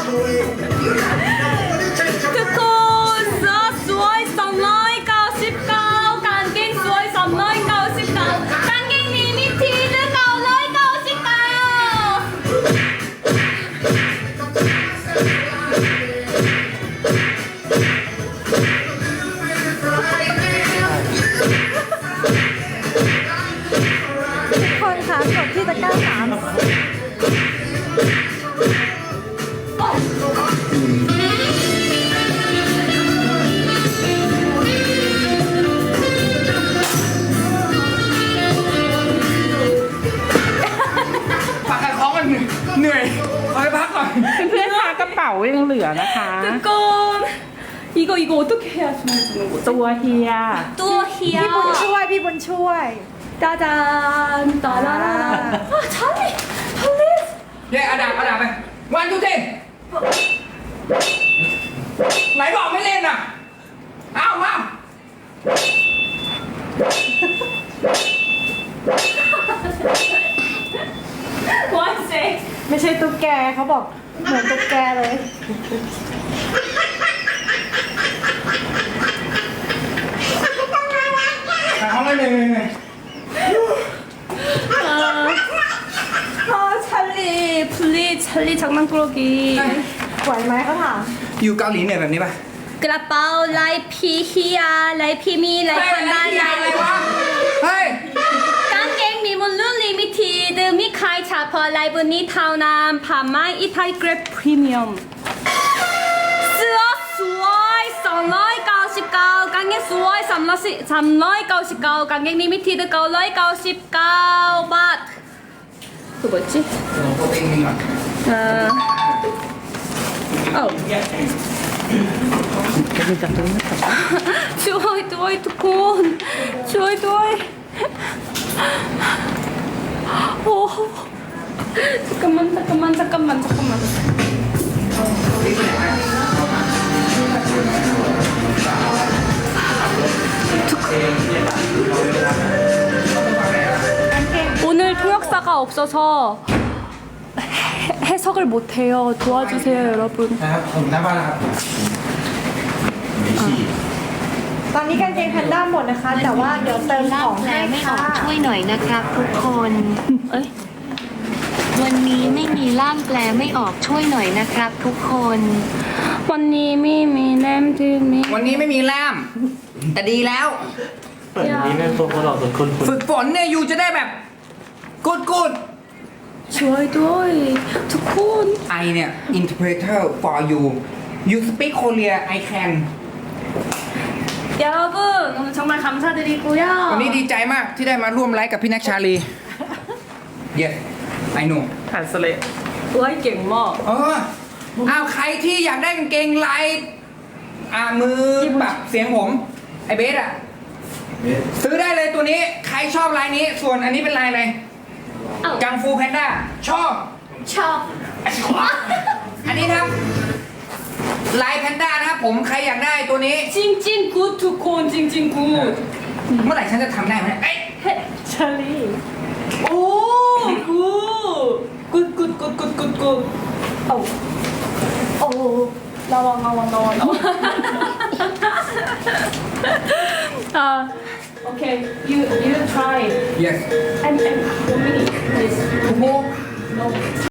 ทุกคนเสื้อสวย299กางเกงสวย399กางเกงนี้มีที่หรือคนคะกดที่ตะกร้า3 ฝากขายของกันเหนื่อยขอไปพักก่อนเพื่อนๆคะกระเป๋ายังเหลือนะคะทุกคน이거 어떻게 해야 좋아지는 거지? ตัวเฮีย 또 พี่ 히야 บุญช่วยพี่บุญช่วย 짜잔 따라라라 아 찰리 플리즈 เย้อาดาบไปวันทุกทีไหนบอกไม่เล่นอ่ะเอามา one sec ไม่ใช่ตุ๊กแกเขาบอกเหมือนตุ๊กแกเลยขายของกันเหนื่อย 아 찰리 플리즈 찰리 장난꾸러기 ไหวไหมเขาถามอยู่เกาหลีเหนื่อยแบบนี้ป่ะ 그라파오 라이피 히야 라이피미 เฮ้ย 라이판다 อะไรวะเฮ้ย 깡갱 미몬룬 리미티드 미카이 차퍼 라이브니 타우남 파마이 이타이 그랩 프리미엄 쓰어 수어이 썬라이 가오십가오 깡갱 수어이 삼라이 가오십가오 깡갱 리미티드 가오라이 가오십가오 밭 그 뭐였지? โปรตีนมีก่อนจะมีจับตัวนี้ก่อนช่วยด้วยทุกคนช่วยด้วยโอ้잠깐만 오늘 통역사가 없어서 해석을 못해요. 도와주세요, 여러분. นะครับผมหน้าบ้านนะครับตอนนี้กางเกงแพนด้าหมดนะคะ แต่ว่าเดี๋ยวเติมของแปลให้ไม่ออค่ะกช่วยหน่อยนะครับทุกคน วันนี้ไม่มีล่ามแปลไม่ออกช่วยหน่อยนะครับทุกคน 원님이 미냄드미 วันนี้ไม่มีแล่ามแต่ดีแล้วนี่เป็นพวกเราเป็นคนฝึกฝึกฝนเนี่ยยูจะได้แบบกูด 좋아요도이 두콘 ไอเนี่ย interpreter for you you speak Korea I can 여러분 오늘 정말 감사드리고요 วันนี้ดีใจมากที่ได้มาร่วมไลฟ์กับพี่นักชาลี yes I know ผ่านสเลด 와이 갱마 เอออ้าวใครที่อยากได้กางเกงลายมือแบบเสียงผมไอเบสอะซื้อได้เลยตัวนี้ใครชอบลายนี้ส่วนอันนี้เป็นลายอะไรกังฟูแพนด้าชอบ 샵 อันนี้ครับลายแพนด้านะครับผมใครอยากได้ตัวนี้ 찡찡 굿 두콘 찡찡 굿 เมื่อไหร่ฉันจะทำได้ไหมเอ้ยเชอรี่ 오! 굿! 오! 나와. Okay, you try. yes And 1 minute, please. โอ้โห No.